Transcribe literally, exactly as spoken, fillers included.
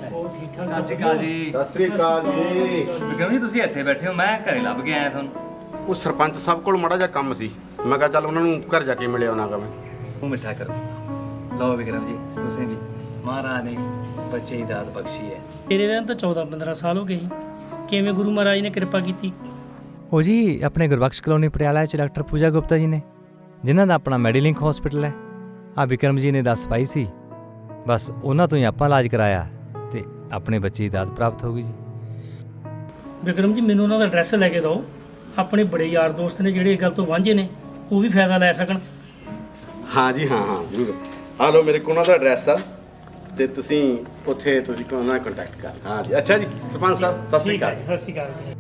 ਸਤਿ ਸ਼੍ਰੀ ਅਕਾਲ ਜੀ। ਸਤਿ ਸ੍ਰੀ ਅਕਾਲ ਜੀ। ਵਿਕਰਮ ਜੀ ਤੁਸੀਂ ਇੱਥੇ ਬੈਠੇ ਹੋ, ਮੈਂ ਘਰੇ ਲੱਭ ਕੇ ਆਇਆ ਤੁਹਾਨੂੰ। ਉਹ ਸਰਪੰਚ ਸਾਹਿਬ ਕੋਲ ਮਾੜਾ ਜਿਹਾ ਕੰਮ ਸੀ, ਮੈਂ ਕਿਹਾ ਚੱਲ ਉਹਨਾਂ ਨੂੰ ਘਰ ਜਾ ਕੇ ਮਿਲਿਆ ਉਹਨਾਂ ਗਾ ਮੈਂ। ਉਹ ਮਿੱਠਾ ਕਰੋ। ਲਓ ਵਿਕਰਮ ਜੀ, ਤੁਸੀਂ ਵੀ ਮਹਾਰਾਜ ਨੇ ਬੱਚੇ ਦੀ ਦਾਤ ਬਖਸ਼ੀ ਹੈ। ਤੇਰੇ ਵਿਆਹ ਤਾਂ ਚੌਦਾਂ ਪੰਦਰਾਂ ਸਾਲ ਹੋ ਗਏ ਸੀ, ਕਿਵੇਂ ਗੁਰੂ ਮਹਾਰਾਜ ਨੇ ਕਿਰਪਾ ਕੀਤੀ? ਉਹ ਜੀ ਆਪਣੇ ਗੁਰਬਖਸ਼ ਕਲੋਨੀ ਪਟਿਆਲਾ 'ਚ ਡਾਕਟਰ ਪੂਜਾ ਗੁਪਤਾ ਜੀ ਨੇ, ਜਿਨ੍ਹਾਂ ਦਾ ਆਪਣਾ ਮੈਡੀਲਿੰਕ ਹਸਪੀਟਲ ਹੈ। ਆ ਵਿਕਰਮ ਜੀ ਨੇ ਦੱਸ ਪਾਈ ਸੀ, ਬਸ ਉਹਨਾਂ ਤੋਂ ਹੀ ਆਪਾਂ ਇਲਾਜ ਕਰਾਇਆ ਤੇ ਆਪਣੇ ਬੱਚੇ ਦੀ ਦਾਤ ਪ੍ਰਾਪਤ ਹੋ ਗਈ ਜੀ। ਵਿਕਰਮ ਜੀ ਮੈਨੂੰ ਉਹਨਾਂ ਦਾ ਐਡਰੈਸ ਲੈ ਕੇ ਦਿਓ, ਆਪਣੇ ਬੜੇ ਯਾਰ ਦੋਸਤ ਨੇ ਜਿਹੜੇ ਇਸ ਗੱਲ ਤੋਂ ਵਾਂਝੇ ਨੇ ਉਹ ਵੀ ਫਾਇਦਾ ਲੈ ਸਕਣ। ਹਾਂ ਜੀ ਹਾਂ ਹਾਂ ਜ਼ਰੂਰ। ਆ ਲਓ ਮੇਰੇ ਕੋਲ ਉਹਨਾਂ ਦਾ ਐਡਰੈਸ ਆ ਤੇ ਤੁਸੀਂ ਉੱਥੇ ਤੁਸੀਂ ਉਹਨਾਂ ਨਾਲ ਕੰਟੈਕਟ ਕਰ। ਹਾਂ ਜੀ ਅੱਛਾ ਜੀ ਸਰਪੰਚ ਸਾਹਿਬ ਸਤਿ ਸ੍ਰੀ ਅਕਾਲ। ਸਤਿ ਸ਼੍ਰੀ ਅਕਾਲ।